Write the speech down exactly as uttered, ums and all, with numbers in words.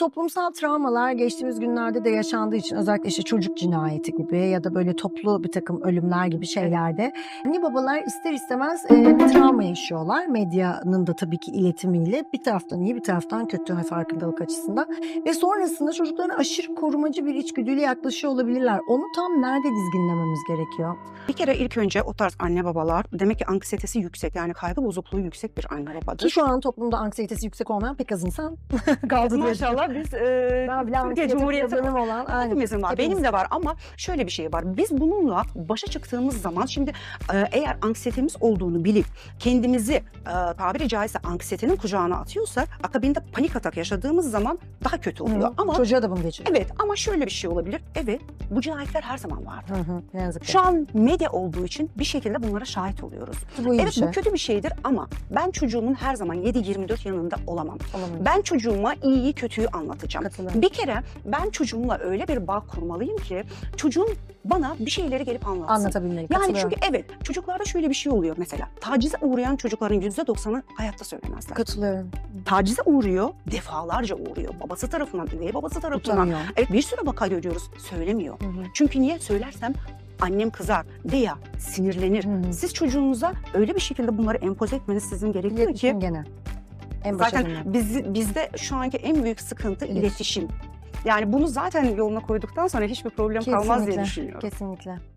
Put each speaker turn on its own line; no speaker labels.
Toplumsal travmalar geçtiğimiz günlerde de yaşandığı için özellikle işte çocuk cinayeti gibi ya da böyle toplu bir takım ölümler gibi şeylerde anne babalar ister istemez e, bir travma yaşıyorlar. Medyanın da tabii ki iletimiyle bir taraftan iyi bir taraftan kötü ve farkındalık açısından ve sonrasında çocuklarına aşırı korumacı bir içgüdüyle yaklaşıyor olabilirler. Onu tam nerede dizginlememiz gerekiyor?
Bir kere ilk önce o tarz anne babalar demek ki anksiyetesi yüksek, yani kaygı bozukluğu yüksek bir anne
Ki
babadır.
şu an toplumda anksiyetesi yüksek olmayan pek az insan kaldı diye.
Maşallah biz e,
Daha bile
Türkiye
anksiyete
Cumhuriyeti
problemim olan. Aynen.
hepimizin var.
Hepimiz.
Benim de var ama şöyle bir şey var. Biz bununla başa çıktığımız zaman şimdi e, eğer anksiyetemiz olduğunu bilip kendimizi e, tabiri caizse anksiyetenin kucağına atıyorsak akabinde panik atak yaşadığımız zaman daha kötü oluyor.
Hı,
Ama
çocuğa da bunu geçiriyor.
evet, ama şöyle bir şey olabilir. Evet, bu cinayetler her zaman vardı.
Hı hı, ne yazık ki.
Şu an medya olduğu için bir şekilde bunlara şahit oluyoruz.
Bu iyi bir
Evet,
şey.
bu kötü bir şeydir ama ben çocuğumun her zaman yedi yirmi dört yanında olamam.
Olamıyor.
Ben çocuğuma iyiyi kötüyü anlatacağım.
Katılıyorum.
Bir kere ben çocuğumla öyle bir bağ kurmalıyım ki çocuğum bana bir şeyleri gelip anlatsın.
Anlatabilmeli.
Yani
Katılıyorum.
çünkü evet, çocuklarda şöyle bir şey oluyor mesela. Tacize uğrayan çocukların yüzde doksanı hayatta söylemezler.
Katılıyorum.
Tacize uğruyor, defalarca uğruyor. Babası tarafından, üvey babası tarafından.
Utanıyor.
Evet, bir sürü vaka görüyoruz. Söylemiyor.
Hı hı.
Çünkü niye söylersem annem kızar veya sinirlenir.
Hı hı.
Siz çocuğunuza öyle bir şekilde bunları empoze etmeniz sizin gerekiyor
İletişim
ki
gene. En başa
zaten
dönüyor.
biz, bizde şu anki en büyük sıkıntı
İletişim.
iletişim. Yani bunu zaten yoluna koyduktan sonra hiçbir problem kalmaz diye
Kesinlikle.
düşünüyorum.
Kesinlikle.